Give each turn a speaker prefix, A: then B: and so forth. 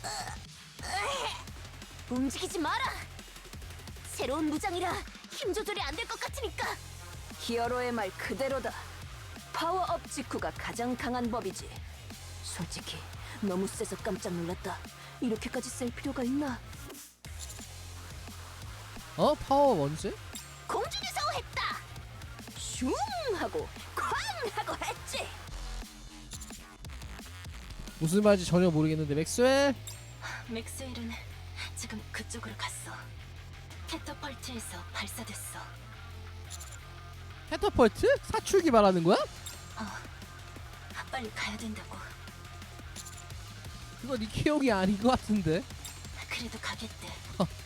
A: 움직이지 마라. 새로운 무장이라 힘 조절이 안 될 것 같으니까.
B: 히어로의 말 그대로다. 파워업 직후가 가장 강한 법이지. 솔직히 너무 세서 깜짝 놀랐다. 이렇게까지 쓸 필요가 있나?
C: 파워 원즈?
A: 공중에서 했다.
B: 슝 하고 쾅 하고 했지.
C: 무슨 말인지 전혀 모르겠는데 맥스웰?
A: 맥스웰은 지금 그쪽으로 갔어. 캐터펄트에서 발사됐어.
C: 캐터펄트? 사출기 말하는 거야?
A: 빨리 가야 된다고.
C: 그거 니케용이 아닌 것 같은데.
A: 그래도 가겠대.